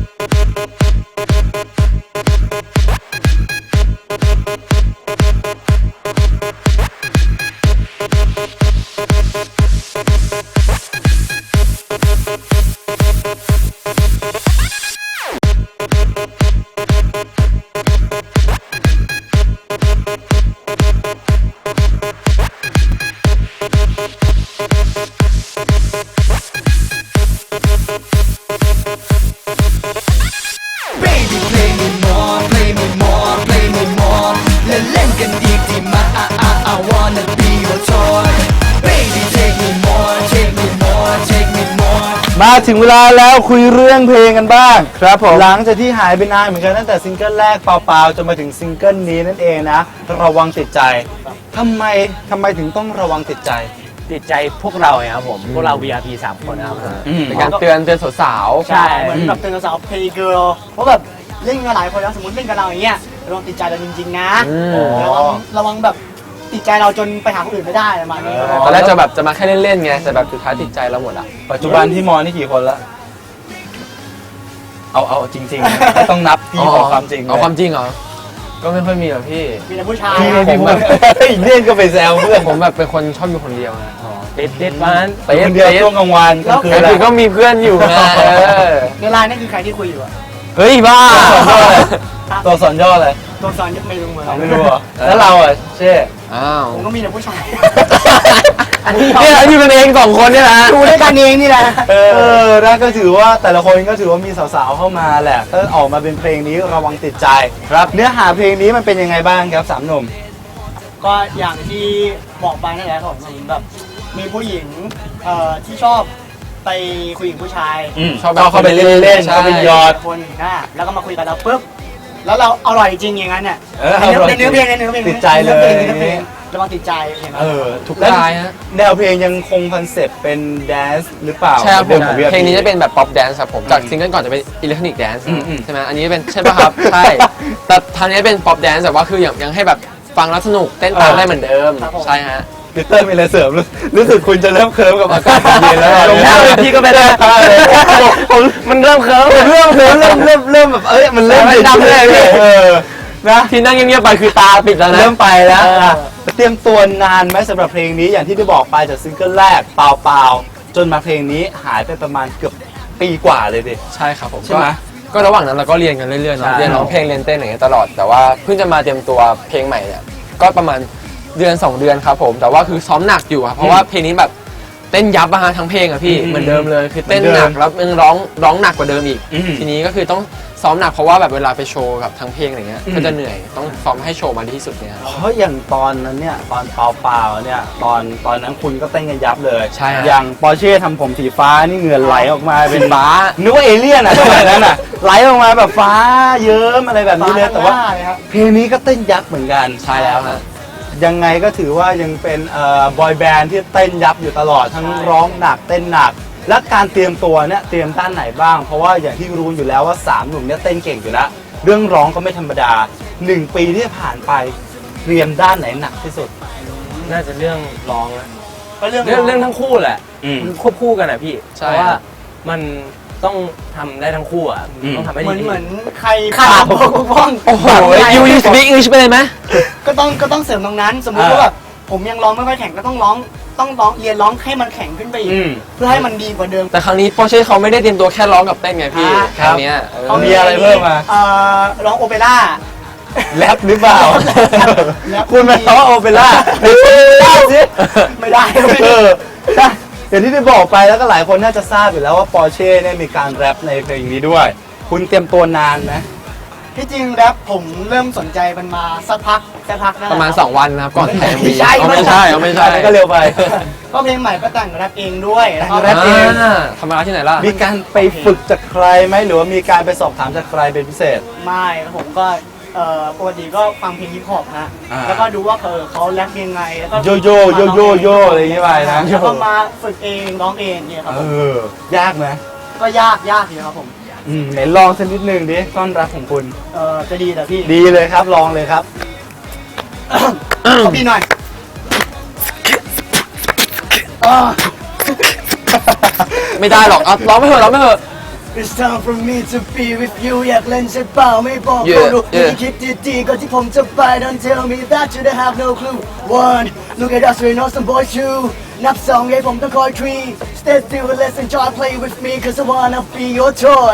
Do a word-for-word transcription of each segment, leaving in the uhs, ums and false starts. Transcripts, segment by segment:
มาถึงเวลาแล้วคุยเรื่องเพลงกันบ้างครับผมหลังจากที่หายไปนานเหมือนกันตั้งแต่ซิงเกิลแรกเปล่าๆจนมาถึงซิงเกิลนี้นั่นเองนะระวังติดใจทำไมทำไมถึงต้องระวังติดใจติดใจพวกเราครับผมพวกเรา วี อาร์ พี สามคนนะครับเป็นการเตือนเตือนสาวๆใช่เหมือนแบบเตือนสาวเพย์เกิร์ลเพราะแบบเล่นกันหลายคนแล้วสมมติเล่นกับเราอย่างเงี้ยระวังติดใจเราจริงๆนะระวังระวังแบบติดใจเราจนไปหาคนอื่นไม่ได้ประมาณนี้ตอนแรกจะแบบจะมาแค่เล่นๆไงแต่แบบสุดท้ายติดใจเราหมดอ่ะปัจจุบันที่มอนี่กี่คนละเอาเอาจริงๆต้องนับพี่บอกความจริงเอาความจริงเหรอก็ไม่ค่อยมีหรอกพี่มีแต่ผู้ชายผมแบบเล่นก็ไปแซวเพื่อนผมแบบเป็นคนชอบอยู่คนเดียวนะเด็ดเด็ดวันเด็ดคนเดียวช่วงกลางวันก็คือก็มีเพื่อนอยู่นะในไลน์นั่นคือใครที่คุยอยู่อะเฮ้ยบ้าตัวสอนย่ออะไรตัวสอนไม่รู้เหมือนไม่รู้แล้วเราอ่ะเช่อ้าวผมก็มีแต่ผู้ชายอันนี้เนี่ยอยู่กันเองสองคนเนี่ยนะดูด้วยกันเองนี่แหละเออนั่นก็ถือว่าแต่ละคนก็ถือว่ามีสาวๆเข้ามาแหละก็ออกมาเป็นเพลงนี้ระวังติดใจครับเนื้อหาเพลงนี้มันเป็นยังไงบ้างครับสามหนุ่มก็อย่างที่บอกไปนั่นแหละผมแบบมีผู้หญิงเอ่อที่ชอบไปคุยกับผู้ชายชอบเข้าไปเล่นๆเข้าไปยอดคนนะแล้วก็มาคุยกับเราปุ๊บแล้วเราอร่อยจริงอย่างนั้นเนี่ยในเนื้อเพลงในเนื้อเพลงติดใจเลยระวังติดใจอย่างนั้นเออถูกได้ฮะแนวเพลงยังคงคอนเซ็ปต์เป็นแดนซ์หรือเปล่าใช่ครับผมเพลงนี้จะเป็นแบบป๊อปแดนซ์ครับผมจากซิงเกิลก่อนจะเป็นอิเล็กทรอนิกส์แดนซ์ใช่ไหมอันนี้เป็นใช่ป่ะครับใช่แต่ทางนี้เป็นป๊อปแดนซ์แต่ว่าคือยังยังให้แบบฟังแล้วสนุกเต้นตามได้เหมือนเดิมใช่ฮะพีเตอร์มีอะไรเสริมรู้สึกคุณจะเริ่มเคิร์ฟกับอากาศเย็นแล้วลงท่าพี่ก็ไม่ได้ผมมันเริ่มเคิร์ฟเริ่มเคิร์ฟเริ่มเริ่มเริ่มแบบเอ้ยมันเริ่มดำเลยเออนะที่นั่งเงียบๆไปคือตาปิดแล้วนะเริ่มไปแล้วเตรียมตัวนานไหมสำหรับเพลงนี้อย่างที่ได้บอกไปจากซิงเกิลแรกเปล่าๆจนมาเพลงนี้หายไปประมาณเกือบปีกว่าเลยดิใช่ครับผมใช่ไหมก็ระหว่างนั้นเราก็เรียนกันเรื่อยๆเนาะเรียนร้องเพลงเรียนเต้นอย่างเงี้ยตลอดแต่ว่าเพิ่งจะมาเตรียมตัวเพลงใหม่เนี่ยก็ประมาณเดือนสองเดือนครับผมแต่ว่าคือซ้อมหนักอยู่ครับเพราะว่าเพลงนี้แบบเต้นยับอะฮะทั้งเพลงอะพี่เหมือนเดิมเลยคือเต้นหนักแล้วยังร้องร้องหนักกว่าเดิมอีกทีนี้ก็คือต้องซ้อมหนักเพราะว่าแบบเวลาไปโชว์กับทั้งเพลงอะไรเงี้ยก็จะเหนื่อยต้องซ้อมให้โชว์มาดีที่สุดเนี่ยเพราะอย่างตอนนั้นเนี่ยตอนเปล่าๆเนี่ยตอนตอนนั้นคุณก็เต้นกันยับเลยใช่อย่างปอร์เช่ทำผมสีฟ้านี่เหงื่อไหลออกมาเป็นฟ้านึกว่าเอเลี่ยนอะสมัยนั้นอะไหลออกมาแบบฟ้าเยิ้มอะไรแบบนี้เลยแต่ว่าเพลงนี้ก็เต้นยับเหมือนกันใช่แล้วฮะยังไงก็ถือว่ายังเป็นเอ่อบอยแบนด์ที่เต้นยับอยู่ตลอดทั้งร้องหนักเต้นหนักและการเตรียมตัวเนี่ยเตรียมด้านไหนบ้างเพราะว่าอย่างที่รู้อยู่แล้วว่าสามหนุ่มเนี่ยเต้นเก่งอยู่แล้วเรื่องร้องก็ไม่ธรรมดาหนึ่งปีที่ผ่านไปเตรียมด้านไหนหนักที่สุดน่าจะเรื่องร้องอะก็เรื่องเรื่องเรื่องทั้งคู่แหละมันควบคู่กันนะพี่เพราะว่ามันต้องทำได้ทั้งคู่อ่ะต้องทำให้ดีเหมือนเหมือนใครขาดบกพร่องโอ้โหยูยูสปีกอังกฤษไปเลยไหมก็ต้องก็ต้องเสริมตรงนั้นสมมติว่าแบบผมยังร้องไม่ค่อยแข็งก็ต้องร้องต้องร้องเรียนร้องให้มันแข็งขึ้นไปอีกเพื่อให้มันดีกว่าเดิมแต่ครั้งนี้ปอร์เช่เขาไม่ได้เตรียมตัวแค่ร้องกับเต้นไงพี่ครั้งนี้เขามีอะไรเพิ่มมาเอ่อร้องโอเปร่าแรปหรือเปล่าคุณมาร้องโอเปร่าไม่ได้สิไม่ได้เอออย่างที่ได้บอกไปแล้วก็หลายคนน่าจะทราบอยู่แล้วว่าปอร์เช่เนี่ยมีการแรปในเพลงนี้ด้วยคุณเตรียมตัวนานไหมที่จริงแรปผมเริ่มสนใจมันมาสักพักสักพักนะประมาณสองวันนะครับก่อนถ่ายไม่ใช่ไม่ใช่ไม่ใช่ก็เร็วไปก็เพลงใหม่ก็แต่งแรปเองด้วยแรปเองทำมาที่ไหนล่ะมีการไปฝึกจากใครไหมหรือว่ามีการไปสอบถามจากใครเป็นพิเศษไม่ผมก็ปกติก็ฟังเพลงฮิปฮอปนะแล้วก็ดูว่าเขาเขาแรปยังไงแล้วก็โยโย่โยโย่โยอะไรอย่างเงี้ยไปนะแล้วก็มาฝึกเองร้องเองเนี่ยครับเออยากไหมก็ยากยากอยู่ครับผมอืมไหนลองสักนิดนึงดิต้อนรับของคุณเออจะดีแต่พี่ดีเลยครับลองเลยครับขอพี่หน่อยไม่ได้หรอกเอาร้องไม่เถอะร้องไม่เถอะ It's time for me to be with you อยากเล่นใช่เปล่าไม่บอก Yeah, ก็รู้ yeah. คิดดีๆก่อนที่ผมจะไป Don't tell me that you don't have no clue One Look at us we know some boys too นับสองให้ผมต้องคอย Three Stay still and let's enjoy play with me Cause I wanna be your toy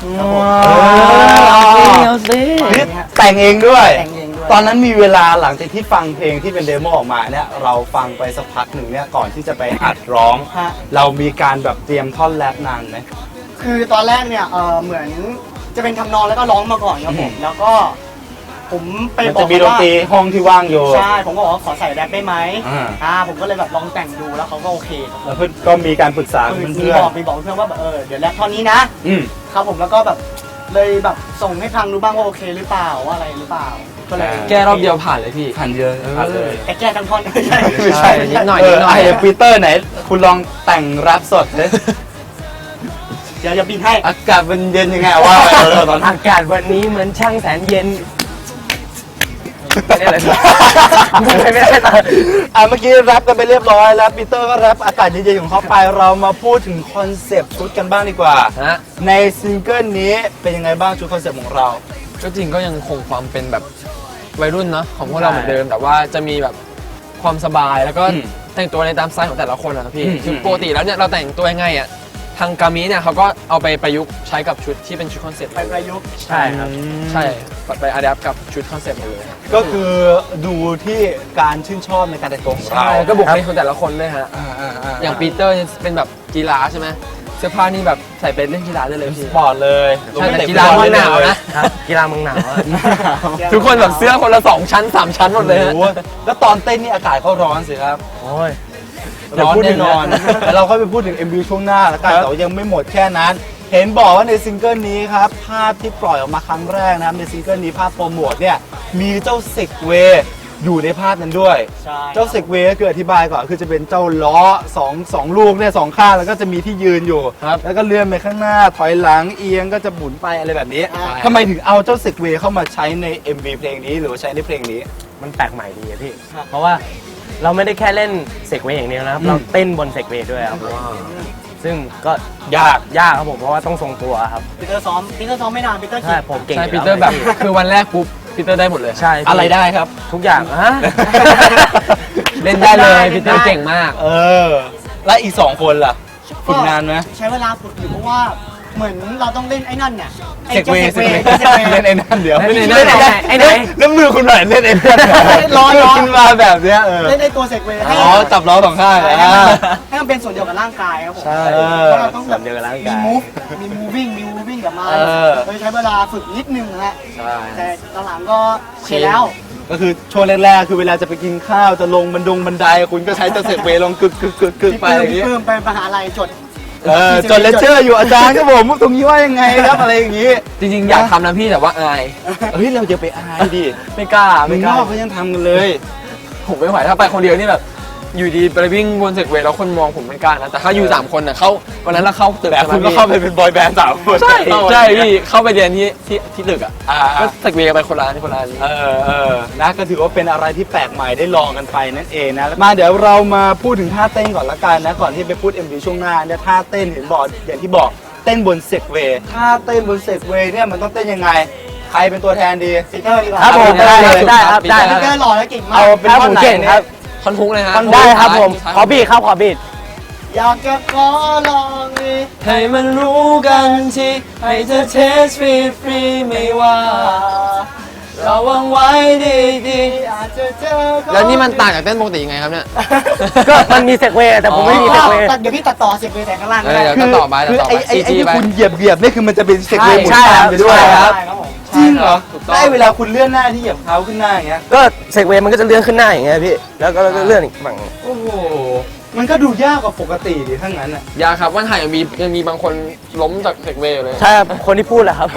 เอาสินี่แต่งเองด้วยแต่งเองด้วยตอนนั้นมีเวลาหลังจากที่ฟังเพลงที่เป็นเดโมออกมาเนี่ยเราฟังไปสักพักหนึ่งเนี่ยก่อนที่จะไปอัดร้องฮะเรามีการแบบเตรียมท่อนแรปนานไหมคือตอนแรกเนี่ยเออเหมือนจะเป็นทำนองแล้วก็ร้องมาก่อนครับผม แล้วก็ผมไปมันบอจะกมีดนว่าตรีห้องที่ว่างอยู่ใช่ผมก็บอกว่าขอใส่แรปได้ไหมอ่าอ่าผมก็เลยแบบลองแต่งดูแล้วเขาก็โอเคครับแล้วเพื่อนก็มีการปรึกษาคือกับมีเพื่อบนอกมีบอกเพื่อนว่าแบบเออเดี๋ยวแรปท่อนนี้นะๆอืมครับผมแล้วก็แบบเลยแบบส่งให้ฟังดูบ้างว่าโอเคหรือเปล่าว่าอะไรหรือเปล่าก็เลยอ่าแก้รอบเดียวผ่านเลยพี่ผ่านเยอะผ่านเลยแต่แก้ทั้งท่อนไม่ใช่ไม่ใช่นิดหน่อยเอนิอดหน่อยไอ้ปีเตอร์ไหน คุณลองแต่งแรปสดเลยเดี๋ยวจะบินให้อากาศมันเย็นยังไงว่าไปเออตอนนั้นอากาศวันนี้เหมือนช่างแสนเย็นไม่ได้เลยไม่ได้เลยอ่ะเมื่อกี้แรปกันไปเรียบร้อยแล้วปีเตอร์ก็แรปอากาศเย็นๆของเขาไปเรามาพูดถึงคอนเซปต์ชุดกันบ้างดีกว่าฮะในซิงเกิลนี้เป็นยังไงบ้างชุดคอนเซปต์ของเราก็จริงก็ยังคงความเป็นแบบวัยรุ่นเนาะของพวกเราเหมือนเดิม แต่ว่าจะมีแบบความสบายแล้วก็อืมแต่งตัวในตามสไตล์ของแต่ละคนนะครับพี่อืมคือปกติแล้วเนี่ยเราแต่งตัวยังไงอ่ะทางกามิเนี่ยเขาก็เอาไปประยุกต์ใช้กับชุดที่เป็นชุดคอนเซ็ปต์ไปประยุกต์ใช่ครับใช่ไปอัดแอปกับชุดคอนเซ็ปต์หมดเลยก็คือดูที่การชื่นชอบในการแต่งตัวของเราใช่ก็บุคลิกของแต่ละคนด้วยฮะอ่าอ่าอ่าอย่างปีเตอร์เนี่ยเป็นแบบกีฬาใช่ไหมเสื้อผ้านี่แบบใส่ไปเล่นกีฬาได้เลยพี่สปอร์ตเลยใช่แต่เตะกีฬาฟุตบอมันลหนาวนะครับกีฬาเมืองหนาวอะทุกคนแบบเสื้อคนละสองชั้นสามชั้นหมดเลยฮะโอ้โหแล้วตอนเต้นนี่อากาศเขาร้อนสิครับโอ้ยร้อนเดี๋ยวพูดถึแน่งนอน แต่เราก็ไปพูดถึง เอ็ม วี ช่วงหน้าแล้วกันครับแต่ว่ายังไม่หมดแค่นั้น เห็นบอกว่าในซิงเกิลนี้ครับ ภาพที่ปล่อยออกมาครั้งแรกนะครับในซิงเกิลนี้ภาพโปรโมทเนี่ยมีเจ้าเซกเวย์อยู่ในภาพนั้นด้วยใช่เจ้าเซกเวย์ก็คืออธิบายก่อนคือจะเป็นเจ้าล้อสองสองลูกเนี่ยสองข้างแล้วก็จะมีที่ยืนอยู่ครับแล้วก็เลื่อนไปข้างหน้าถอยหลังเอียงก็จะหมุนไปอะไรแบบนี้อ่าทำไมถึงเอาเจ้าเซกเวย์เข้ามาใช้ใน เอ็ม วี เพลงนี้หรือว่าใช้ในเพลงนี้มันแปลกใหม่ดีอะพี่ เพราะว่าเราไม่ได้แค่เล่นเซกเวย์อย่างเดียวนะครับอืมเราเต้นบนเซกเวย์ด้วยครับซึ่งก็ยากยากครับผมเพราะว่าต้องทรงตัวครับปีเตอร์ซ้อมปีเตอร์ซ้อมไม่นานปีเตอร์ใช่ขี่ผมเก่งใช่ยู่ปีล้วเตอร์แบบคือวันแรกปุ๊บปีเตอร์ได้หมดเลยใช่พี่อะไรได้ครับทุกอย่างฮะเล่นได้เลยปีเตอร์เก่งมากเออ แล้วอีกสองคนล่ะฝึกนานไหมใช้เวลาฝึกอยู่เพราะว่าเหมือนเราต้องเล่นไอ้นั่นเนี่ยไอ้เซกเจ้าเวเซย์กเวย์เซกเวย์เล่นไอ้นั่นเดี๋ยวเล่นไอ้นั่นเล่ไอ้นั่นแล้วมือคุณหน่อยเล่นไอ้นั่นร้อนร้อนขึ้นมาแบบเนี้ยเออเล่นไอ้ตัวเซกเวย์ให้อ๋อจับล้อสองข้างให้อ่าให้มันเป็นส่วนเดียวกับร่างกายครับผมใช่เพราะเราต้องแบบส่วนเดียวกับร่างมีกายมูฟมี moving มี moving กับมันเออเลยใช้เวลาฝึกนิดนึงนะฮะใช่แต่หลังๆก็เชยแล้วก็คือช่วงแรกๆคือเวลาจะไปกินข้าวจะลงบันดงบันไดคุณก็ใช้เจ้าเซกเวย์ลงกึกกึกกึกกึกพี่ไปปื้อมย่างพี่งี้ปื้มไปมหาลัยจดเออจนเลคเชอร์อยู่อาจารย์ครับผมตรงนี้ว่ายังไงครับอะไรอย่างงี้จริงๆ อยากทำนะพี่แต่ว่าอายเฮ้ยเราจะไปอายดิไม่กล้ามึไม่งกนล้าอกเขายังทำกันเลยผมไม่ไหวถ้าไปคนเดียวนี่แบบ อยู่ดีไปวิ่งบนเซกเวย์แล้วคนมองผมไม่กล้านะแต่ถ้าอยู่สามคนน่ะเข้าวันนั้นเราเข้าตึกแต่ใช่ไหมคุณก็พี่เข้าไปเป็นบอยแบนด์สามคนใช่เข้าไปใช่พี่เข้าไปเรียนที่ที่ที่ตึกอ่ะอ่าก็เซกเวย์กันไปคนละอันคนละอันเออเออนะก็ถือว่าเป็นอะไรที่แปลกใหม่ได้ลองกันไปนั่นเองนะมาเดี๋ยวเรามาพูดถึงท่าเต้นก่อนละกันนะก่อนที่ไปพูด เอ็ม วี ช่วงหน้าเนี่ยท่าเต้นเห็นบอกอย่างที่บอกเต้นบนเซกเวย์ท่าเต้นบนเซกเวย์เนี่ยมันต้องเต้นยังไงใครเป็นตัวแทนดีปีเตอร์ดีกว่าครับผมได้ได้เลยได้ครับได้ปีคเตอรับร์หล่อและเก่งมากเอาเป็นครับท่อผนมไหนเก่งครับท่อนฮุกเลยฮะได้ครับผมท้ายขอบีดครับขอบีดอยากจะขอลองดิให้มันรู้กันทีให้เธอเทสฟรีฟรีไม่ว่าเราวางไว้ดีดีอยากจะเจอแล้วนี่มันต่างจากเต้นปกติยังไงครับเนี่ยก็มันมีเซกเวย์แต่ผมไม่มีเซกเวย์ตัดเดี๋ยวพี่ตัดต่อเสียงเวย์แต่ข้างล่างเอก็อได้เดี๋ยวก็ต่อไปคือต่อไอ้ไปไอ้ซีไอ้จีที่ไปคุณเหยียบเหยียบๆนี่คือมันจะเป็นเซกเวย์หมุนใช่ตามครับไปด้วยใช่คครัรับบใช่ครับผมจริงเหรอถูกต้องได้เวลาคุณเลื่อนหน้าที่เหยียบเท้าขึ้นหน้าอย่างเงี้ยก็เซกเวย์มันก็จะเลื่อนขึ้นหน้าอย่างเงี้ยพี่แล้วก็แล้วก็เลื่อนอีกฝั่งโอ้โหมันก็ดูยากกว่าปกติดิทั้งนั้นอ่ะยาครับวันถ่ายยังมียังมีบางคนล้มจากเซกเวย์อยู่เลยใช่ครับคนที่พูดแหละครับ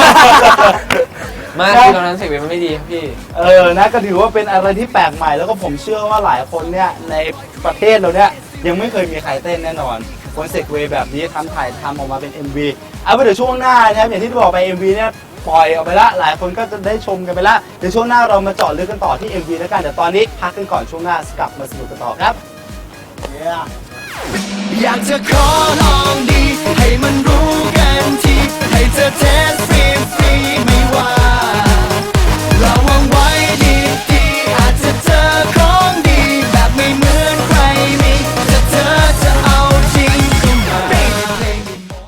ไมากคือตอนนั้นเซกเวย์มันไม่ดีครับพี่เออนะก็ถือว่าเป็นอะไรที่แปลกใหม่แล้วก็ผมเชื่อว่าหลายคนเนี่ยในประเทศเราเนี่ยยังไม่เคยมีใครเต้นแน่นอนคอนเซ็ปต์เวย์แบบนี้ทำถ่ายทำออกมาเป็น เอ็ม วี เอาไปเดี๋ยวช่วงหน้านะครับอย่างที่บอกไป เอ็ม วี เนี่ยปล่อยออกไปละหลายคนก็จะได้ชมกันไปละเดี๋ยวช่วงหน้าเรามาเจาะลึกกันต่อที่ เอ็ม วี แล้วกันแต่ตอนนี้พักกันก่อนช่วงหน้ากลับมาสนุกกันต่อครับ Yeah อยากจะขอลองดี ให้มันรู้กันที ให้เธอเทสฟรี